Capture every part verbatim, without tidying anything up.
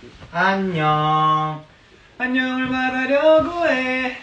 안녕. 안녕을 말하려고 해.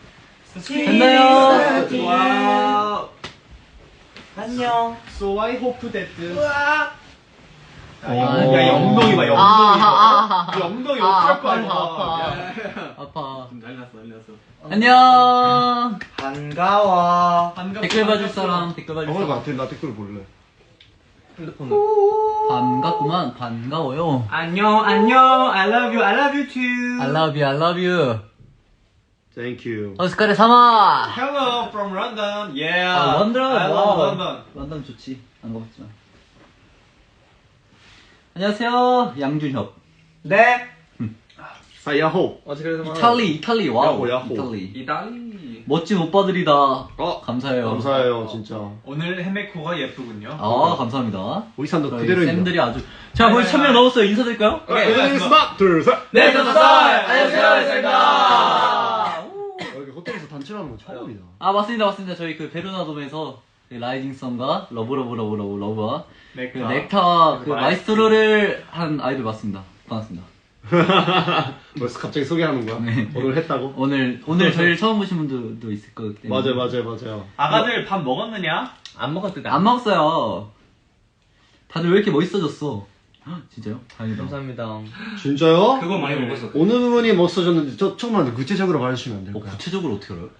됐나요? 와. 안녕. So I hope that. 와. 야, 야, 엉덩이 봐, 엉덩이. 아, 아, 이 엉덩이 아, 어떡할 거야, 아파, 아파. 이거. 아파. 좀 날렸어, 날렸어. 안녕. 반가워. 반가워. 댓글 봐줄 사람, 댓글 봐줄 어, 사람. 나 댓글 볼래. 반갑구만, 반가워요. 안녕, 안녕. I love you, I love you too. I love you, I love you. Thank you. 오스카레 사마. Hello from London. Yeah. 아, 런던. I love 와우. London. 런던 좋지. 안 가봤지만. 안녕하세요, 양준혁. 네. 사야호. 이탈리, 이탈리, 와우. 야호, 야호. 이탈리. 이달리. 멋진 오빠들이다. 어, 감사해요. 감사해요, 진짜. 오늘 헤메코가 예쁘군요. 아, 감사합니다. 의상도 저희 그대로입니다. 쌤들이 아주. 자, 벌써 천 명 넘었어요. 인사드릴까요? 오케이. 하나, 둘, 셋. 네, 감사합니다. 안녕하세요, 쌤입니다. 여기 호텔에서 단체로 하는 건 처음이다. 아, 맞습니다, 맞습니다. 저희 그 베르나돔에서 그 라이징 썬과 러브 러브 러브 러브 러브와 그 넥타. 넥타와 그 마이스트로. 마이스트로를 한 아이돌 맞습니다. 반갑습니다. 벌써 갑자기 소개하는 거야? 네. 오늘 했다고? 오늘 오늘 저희를 처음 보신 분들도 있을 거기 때문에. 맞아요, 맞아요, 맞아요. 아가들 밥 먹었느냐? 안 먹었대. 안 먹었어요. 다들 왜 이렇게 멋있어졌어? 헉, 진짜요? 다행이다. 감사합니다. 진짜요? 그거 많이 먹었어. 어느 부분이 멋있어졌는지 저 조금만 구체적으로 말해주시면 안 어, 될까요? 구체적으로 어떻게 알아요?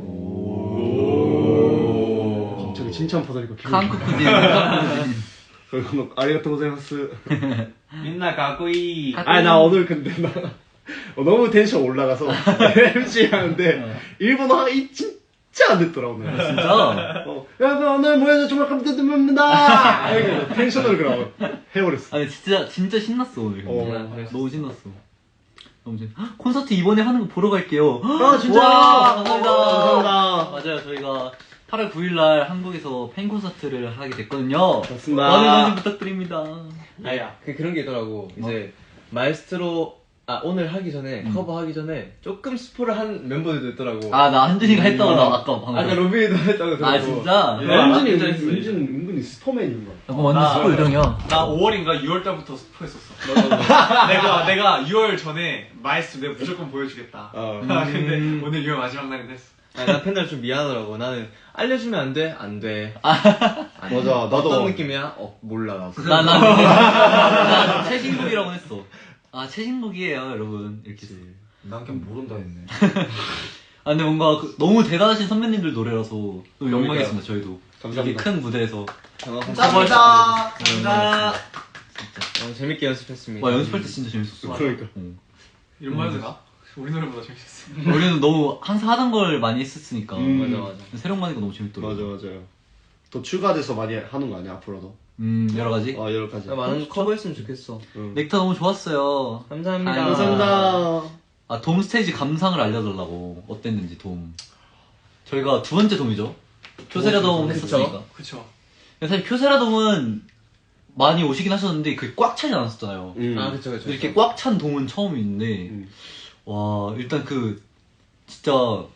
갑자기 칭찬 받으니까 기분이 한국 구진, 한국 구진. 좋아요. 아리가토 고자이마스. 민나 가꾸이. 아, 나 오늘 근데 나 어, 너무 텐션 올라가서 엠씨 하는데 일본어 하기 진짜 안 됐더라 오늘. 진짜? 어, 여러분 오늘 모여서 정말 감사드립니다. 이렇게 텐션을 그럼 해버렸어. 아니 진짜 진짜 신났어 오늘. 어. 근데. 너무 신났어. 너무 신. 헉, 콘서트 이번에 하는 거 보러 갈게요. 아 진짜. 와, 감사합니다. 감사합니다. 맞아요, 저희가 팔월 구일 날 한국에서 팬 콘서트를 하게 됐거든요. 맞습니다. 많은 관심 부탁드립니다. 아야. 그, 그런 게 있더라고. 이제, 마에스트로, 아, 오늘 하기 전에, 음. 커버 하기 전에, 조금 스포를 한 멤버들도 있더라고. 아, 나 한준이가 했다고 나 아까 방금. 아까 로빈이도 했다고 들었고. 아, 진짜? 예. 은준이 진짜 했어, 은준 은근히 슈퍼맨인 거야. 그거 완전 나- 스포 요정이야. 나 오월인가 유월 달부터 스포했었어. 내가 내가 유월 전에 마이스 내가 무조건 보여주겠다. 어. 아, 근데 오늘 유월 마지막 날인데 했어. 아, 나 팬들 좀 미안하더라고. 나는, 알려주면 안 돼? 안 돼. 맞아, 나도. 어떤 느낌이야? 어, 몰라, 나도. 나, 나, 나, 최신곡이라고 했어. 아, 최신곡이에요, 여러분. 이렇게. 난 그냥 모른다 했네. 아, 근데 뭔가 그, 너무 대단하신 선배님들 노래라서 너무 영광이었습니다, 저희도. 감사합니다. 이렇게 큰 무대에서. 감사합니다. 감사합니다. 진짜. 어, 재밌게 연습했습니다. 와, 연습할 때 진짜 재밌었어. 그러니까. 응. 이런 말 해도 가? 우리 노래보다 재밌었어. 우리는 너무 항상 하던 걸 많이 했었으니까. 음. 맞아, 맞아. 새로운 거 하니까 너무 재밌더라고. 맞아 맞아요. 또 추가돼서 많이 하는 거 아니야 앞으로도? 음, 여러 가지. 어 여러 가지. 나 많은 거 커버했으면 좋겠어. 응. 넥타 너무 좋았어요. 감사합니다. 아유, 감사합니다. 아, 돔 스테이지 감상을 알려달라고. 어땠는지, 돔. 저희가 두 번째 돔이죠. 쿄세라 돔 했었으니까. 그쵸. 근데 사실 쿄세라 돔은 많이 오시긴 하셨는데 그게 꽉 차지 않았었잖아요. 음. 아, 그쵸, 그쵸. 근데 이렇게 꽉 찬 돔은 처음인데, 음. 와, 일단 그, 진짜,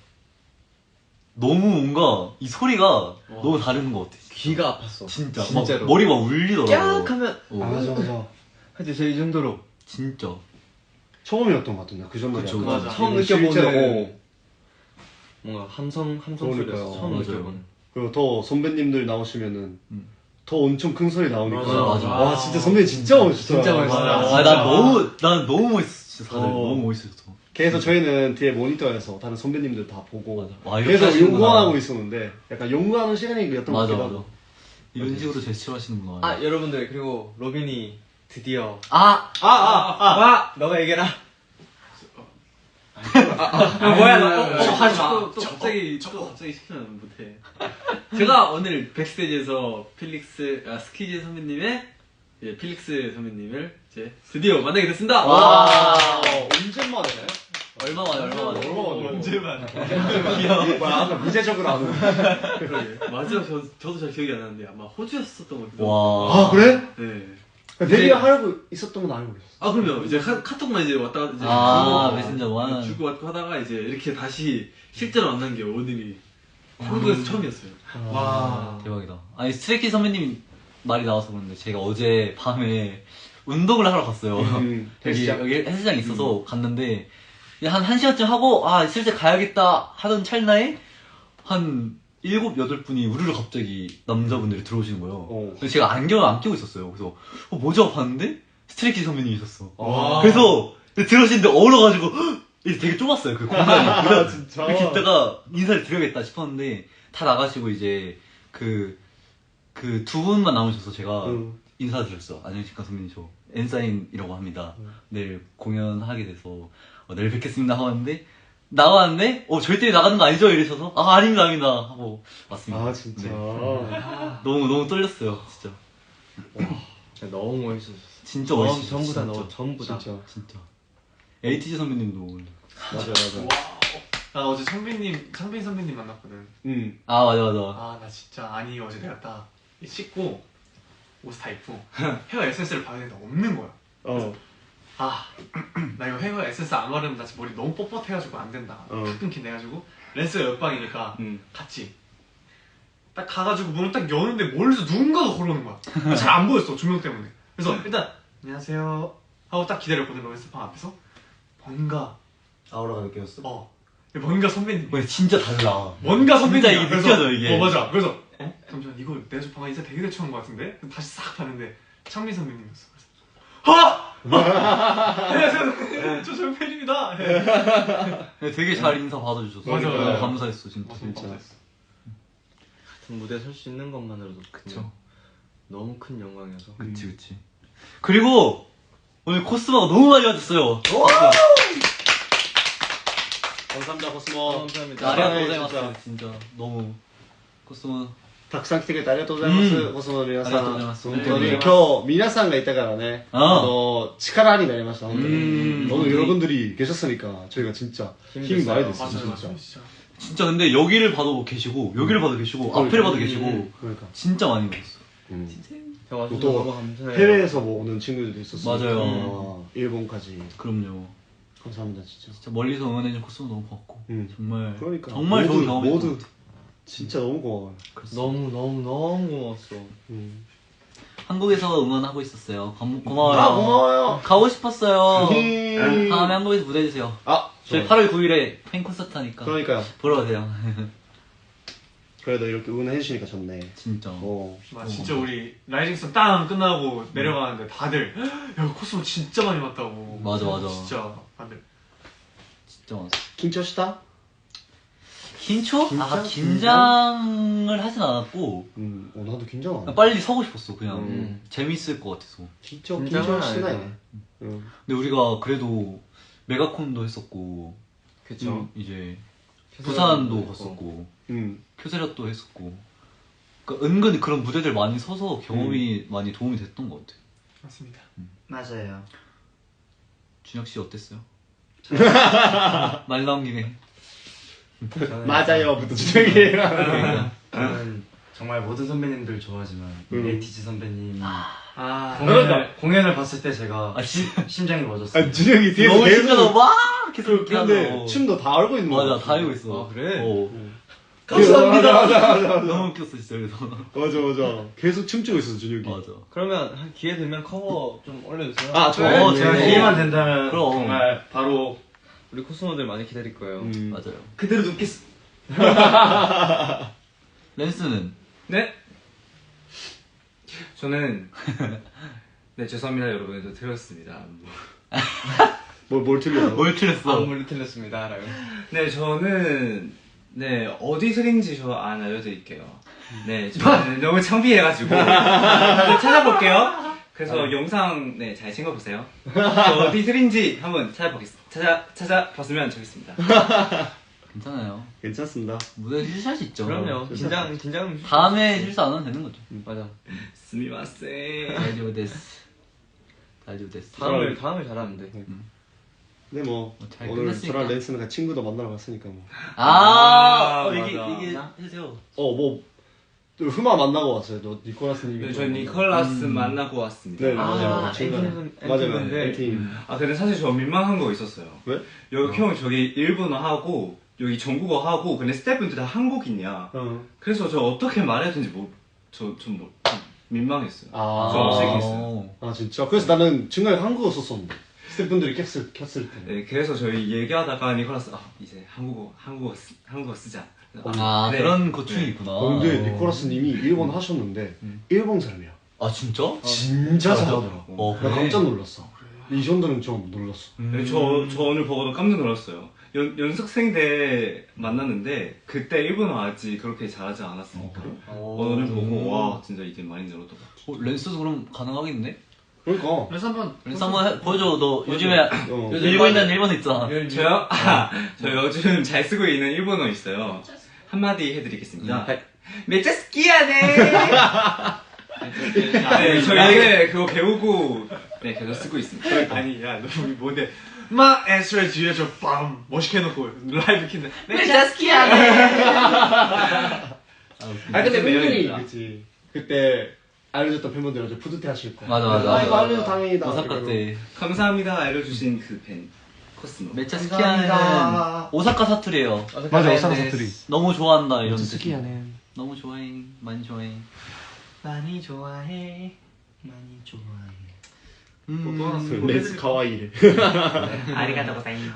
너무 뭔가, 이 소리가 너무 다른 것 같아. 귀가 아팠어. 진짜. 진짜로. 막 머리가 울리더라고. 깍 하면, 어, 아, 맞아 맞아. 하여튼 저이 정도로. 진짜. 처음이었던 것 같은데 그 전날이. 그쵸, 약간 맞아. 처음 실제로, 느껴보는. 어. 뭔가 함성, 함성 소리가 그러니까요. 처음 맞아요. 느껴보는. 그리고 더 선배님들 나오시면은 음. 더 엄청 큰 소리 나오니까. 맞아, 맞아. 와 진짜 선배님 진짜 멋있어. 진짜 멋있어. 아, 아, 난 너무, 난 너무 멋있었어. 다들 어. 너무 멋있었어. 그래서 저희는 뒤에 모니터에서 다른 선배님들 다 보고 맞아. 와, 이렇게 계속 하시는구나. 연구하고 있었는데 약간 연구하는 시간이었던 것 맞아, 같기도 맞아. 하고. 이런 식으로 제스처 하시는구나. 아, 여러분들, 그리고 로빈이 드디어. 아! 아, 아, 아, 와! 너가 얘기해라. 아, 뭐야, 나, 어, 어, 하지 마. 또, 또 갑자기 또 갑자기 시키면 못해. 제가 오늘 백스테이지에서 필릭스 아, 스키즈 선배님의 예, 필릭스 선배님을 이제 드디어 만나게 됐습니다. 와. 언제 만에? 얼마 만에, 얼마 만에. 언제만. 귀여워. 뭐야 아까 미제적으로 안 오는. 맞아요. 저, 저도 잘 기억이 안 나는데 아마 호주였었던 것 같기도 하고. 와. 아 그래? 네. 데뷔하려고 있었던 건 알고 있었어. 아 그러면 이제 카, 카톡만 이제 왔다 갔다 이제 아, 주고, 메신저 원. 주고 받고 하다가 이제 이렇게 다시 실제로 만난 게 오늘이 한국에서 처음이었어요. 와. 대박이다. 아니, 스트레이키즈 선배님 말이 나와서 그런데 제가 어제 밤에 운동을 하러 갔어요. 음, 여기, 헬스장? 여기 헬스장이 있어서 갔는데 그냥 한 1시간쯤 하고 아 슬슬 가야겠다 하던 찰나에 한 일곱, 여덟 분이 우르르 갑자기 남자분들이 들어오시는 거예요. 어. 그래서 제가 안경을 안 끼고 있었어요. 그래서 어, 뭐죠? 봤는데 스트레이키즈 선배님이셨어. 와. 그래서 들어오시는데 얼어가지고 헉! 이게 되게 좁았어요 그 공간이. 아, 진짜. 이렇게 있다가 인사를 드려야겠다 싶었는데 다 나가시고 이제 그 그 두 분만 남으셔서 제가 응. 인사드렸어. 안녕하십니까 선배님, 저 엔사인이라고 합니다. 응. 내일 공연하게 돼서 어, 내일 뵙겠습니다 하고 왔는데 나왔는데 어 저희 때문에 나가는 거 아니죠? 이러셔서 아 아닙니다 아닙니다 하고 왔습니다. 아 진짜. 네. 너무 너무 떨렸어요 진짜. 너무 멋있었어. 진짜 전- 멋있었어. 전부 다 진짜. 너 전부 다. 진짜. 진짜. 에이티즈 선배님도. 맞아 맞아. 나 어제 창빈님, 창빈 선배님 만났거든. 음. 아 맞아 맞아. 아, 나 진짜, 아니, 어제 내가 딱 씻고, 옷 다 입고, 헤어 에센스를 봐야 되는데 없는 거야. 어. 아, 나 이거 헤어 에센스 안 바르면 나 지금 머리 너무 뻣뻣해가지고 안 된다. 어. 탁 끊긴해가지고, 렌스가 옆방이니까, 음. 같이. 딱 가가지고 문을 딱 여는데 멀리서 누군가가 걸어오는 거야. 잘 안 보였어, 조명 때문에. 그래서 일단, 안녕하세요. 하고 딱 기다렸거든, 렌스방 앞에서. 뭔가, 아우라가 느껴졌어? 어, 뭔가 선배님. 왜 진짜 달라. 뭔가 선배님. 진짜 이게 느껴져 이게. 어, 맞아. 그래서, 어? 잠시만, 이거 내가 좀 방금 인사 되게 대충 한 것 같은데? 다시 싹 봤는데, 창민 선배님이었어. 그래서, 아! 안녕하세요, 저 정팬입니다. 네, 되게 잘 인사 받아주셔서 맞아, 너무 맞아. 감사했어 진짜. 진짜. 같은 무대에 설 수 있는 것만으로도 그쵸. 너무 큰 영광이어서. 그치 그치. 그리고 오늘 코스모가 너무 많이 와줬어요. 감사합니다 코스모. 감사합니다. 아리가 네, 고자이마스 진짜 너무 코스모. たくさん来てくれてありがとうございます、 うんコスモの皆さん。 ありがとうございます本当に、 ありが今とう日、皆さんがいたからね、 ああの、力になりました、本当に。 음. 너무 여러분들이 계셨으니까 저희가 진짜 힘이 많이 됐어요, 맞아요, 진짜. 맞아요, 진짜. 진짜 근데 여기를 봐도 계시고 여기를 봐도 계시고 앞에를 봐도 계시고 그러니까. 진짜 많이 오셨어. 음. 저 와주셔서 또 너무 감사해요. 해외에서 뭐 오는 친구들도 있었어요. 맞아요. 어, 일본까지. 그럼요. 감사합니다, 진짜. 진짜 멀리서 응원해준 코스모 너무 고맙고 음. 정말 그러니까. 정말 모두, 좋은 경험이었던 모두 것 같아. 진짜 너무 고마워요. 너무 너무 너무 고마웠어. 음. 한국에서 응원하고 있었어요. 고, 고마워요. 아, 고마워요. 가고 싶었어요. 음. 다음에 한국에서 무대 해주세요. 아, 저희 좋아요. 팔월 구일에 팬 콘서트 하니까 그러니까요. 보러 가세요. 그래도 이렇게 응원해주시니까 좋네. 진짜. 어. 나 진짜 우리 라이징스 땅 끝나고 내려가는데 다들 야 코스모 진짜 많이 왔다고. 맞아, 맞아. 진짜 다들. 진짜 많았어. 긴張した? 긴초? 긴장? 아 긴장을 하진 않았고 음, 어, 나도 긴장 안 해. 그냥 빨리 서고 싶었어. 그냥 음. 재밌을 것 같아서. 진짜 긴장은 긴장 시나요. 아니야. 응. 근데 우리가 그래도 메가콘도 했었고 그쵸. 음. 이제 음. 부산도 갔었고 음. 큐세라도 했었고 그러니까 은근히 그런 무대들 많이 서서 경험이 많이 도움이 됐던 것 같아. 맞습니다. 맞아요. 준혁 씨 어땠어요? 말 나온 김에. 맞아요부터 주정이에요. 저는 정말 모든 선배님들 좋아하지만 음. 에이티즈 선배님 아, 공연을, 공연을 봤을 때 제가 아, 진- 심장이 멎었어요. 아, 주정이 뒤에서 너무 계속 신나서 막 계속 이렇게 근데 하더라고. 춤도 다 알고 있는 거 맞아 다 알고 있어. 아, 그래? 어. 감사합니다. 맞아, 맞아, 맞아. 너무 웃겼어 진짜 그래서. 맞아, 맞아. 계속 춤추고 있어, 준혁이. 맞아. 그러면 한 기회 되면 커버 좀 올려주세요. 아, 좋아요. 어, 제가 네. 기회만 된다면 그럼. 정말 바로 우리 코스모들 많이 기다릴 거예요. 음. 맞아요. 그대로 눕겠어. 랜스는 네? 저는 네 죄송합니다 여러분들 틀렸습니다. 뭘, 뭘 틀려? 뭘 틀렸어? 아무리 틀렸습니다. 라고. 네 저는 네 어디 틀린지 저 안 알려드릴게요. 네 저는 너무 창피해가지고 한번 찾아볼게요. 그래서 영상 네잘 챙겨보세요. 저 어디 틀린지 한번 찾아보겠습니다. 찾아 찾아봤으면 좋겠습니다. 괜찮아요. 괜찮습니다. 무대 실수할 수 있죠. 그럼요. 긴장 긴장. 다음에 실수 안 하면 되는 거죠. 맞아. 스미마세. 다이브 데스. 다이브 데스. 다음을 다음을 잘하면 돼. 근데 뭐, 뭐잘 오늘 끝났으니까. 저랑 랜스는 같이 친구도 만나러 갔으니까 뭐. 아, 아, 어, 얘기 맞아. 얘기 해주세요. 어, 뭐, 또 흠아 만나고 왔어요. 너 니콜라스님이. 네, 저 니콜라스 음. 만나고 왔습니다. 네, 아, 맞아요. 친구랑. 엔팀, 맞아요, 엔팀인데. 엔팀. 아 근데 사실 저 민망한 거 있었어요. 왜? 여기 형 저기 일본어 하고 여기 중국어 하고 근데 스태프분들 다 한국인이야. 어. 그래서 저 어떻게 말해야 되는지 뭐 저 좀 뭐 민망했어요. 아. 좀 어색했어요. 아 진짜? 그래서 나는 중간에 한국어 썼었는데 스태프분들이 켰을, 켰을 때 네, 그래서 저희 얘기하다가 니콜라스 아 이제 한국어 한국어 쓰, 한국어 쓰자. 아 네. 그런 고충이 있구나. 어, 근데 니코라스님이 일본 하셨는데 일본 사람이야. 아 진짜? 진짜 잘하더라고. 어, 나 그래? 깜짝 놀랐어. 이 정도는 좀 놀랐어. 네, 저, 저 오늘 보고도 깜짝 놀랐어요. 연, 연습생 때 만났는데 그때 일본어 아직 그렇게 잘하지 않았으니까 오늘 보고 와 진짜 이제 많이 늘었더라고. 어, 랜스도 그럼 가능하겠네? 그러니까. 그래서 한번 랜스 한번 해, 보여줘. 너 요즘에 어. 요즘 읽고 있는 일본어 있잖아. 저요? 아, 저 요즘 잘 쓰고 있는 일본어 있어요. 한마디 해드리겠습니다. 메짜 스키야네. 네, 저 이제 그거 배우고 네 계속 쓰고 있습니다. 아니 야너 우리 뭔데 막 에스트레 뒤에 저빰 멋있게 해놓고 라이브 킨데 메짜 스키야네. 아 근데 팬분이 그치. 그때 알려줬던 팬분들은 푸드테 하실 거야. 맞아 맞아. 아 이거 알려줘 다행이다. 오사카 때 감사합니다 알려주신 그 팬 코스모. 메짜 스키야는 오사카 사투리예요. 맞아 오사카 사투리. 너무 좋아한다 이런 뜻. 스키야네. 너무 좋아해. 많이 좋아해. 많이 좋아해 많이 좋아해 음. 렌스 카와이래. 아리가또 고자이마스.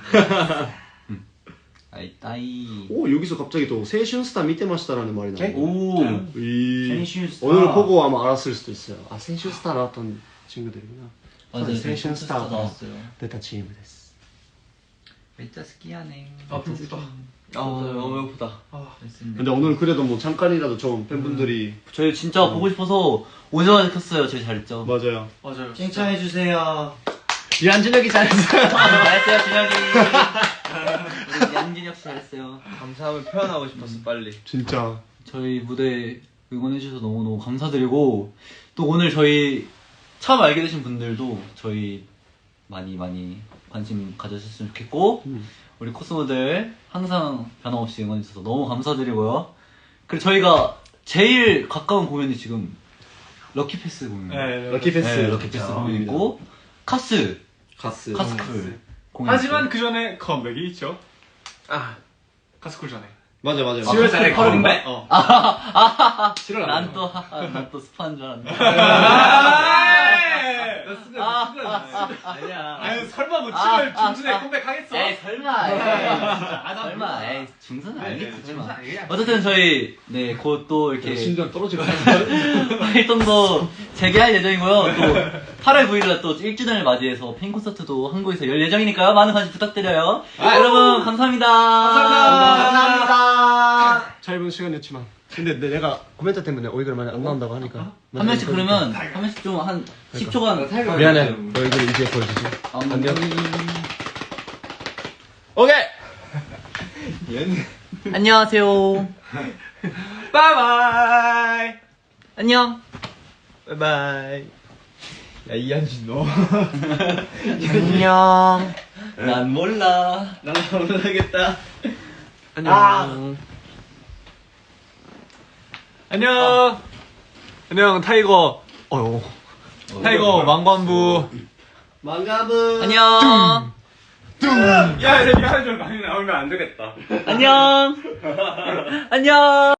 아이 따이. 오 여기서 갑자기 또 세슌스타 미테마시다라는 말이 나와. 오. 이 센슈스타. 오늘 보고 아마 알았을 수도 있어요. 아 세슌스타 나왔던 친구들이구나. 맞아요. 세슌스타 나왔어요. 데타チームです. 메짜 스키야네. 아 배고프다. 아 너무 배고프다. 근데 오늘 그래도 뭐 잠깐이라도 좀 팬분들이 저희 진짜 보고 싶어서 오자마자 켰어요. 저희 잘했죠. 맞아요. 맞아요. 칭찬해주세요. 유한준혁이 잘했어요. 잘했어요, 준혁이. 우리 양진혁 씨 잘했어요. 감사함을 표현하고 싶었어 빨리. 진짜. 저희 무대 응원해주셔서 너무너무 감사드리고, 또 오늘 저희 처음 알게 되신 분들도 저희 많이 많이 관심 가져주셨으면 좋겠고, 음. 우리 코스모들 항상 변함없이 응원해주셔서 너무 감사드리고요. 그리고 저희가 제일 가까운 공연이 지금 럭키패스 공연이에요. 럭키패스. 네, 럭키패스 공연 있고, 카스, 가스. 카스쿨 공연. 하지만 그 전에 컴백이 있죠. 아 가스쿨 전에. 맞아 맞아. 칠월 달에 컴백. 어. 칠월 난 또, 난 또 스파인 줄 알았네. 아니야. 아유 설마 뭐 칠월 중순에 컴백하겠어? 에이, 설마. 에이, 설마. 에이, 중순은 아니겠지만. 어쨌든 저희, 네, 곧 또 이렇게 심장 떨어질 것 활동도 재개할 예정이고요. 또 팔월 구일날 또 일 주년을 맞이해서 팬 콘서트도 한국에서 열 예정이니까요. 많은 관심 부탁드려요. 여러분, 감사합니다. 감사합니다. 짧은 시간이었지만. 근데 내- 내가 코멘트 때문에 오이글 많이 안 나온다고 하니까. 한 명씩 그러면, 한 명씩 좀 한 십 초간. 미안해. 너희들 이제 보여주지. 안녕. 오케이. 안녕하세요. 바이바이. 안녕. 바이바이. 야 이한진 너. 안녕. 난 몰라. 난 모르겠다. 안녕. 안녕. 안녕 타이거. 어요. 타이거 망관부. 망가부. 안녕. 야, 이제 미안해 좀 많이 나오면 안 되겠다. 안녕. 안녕.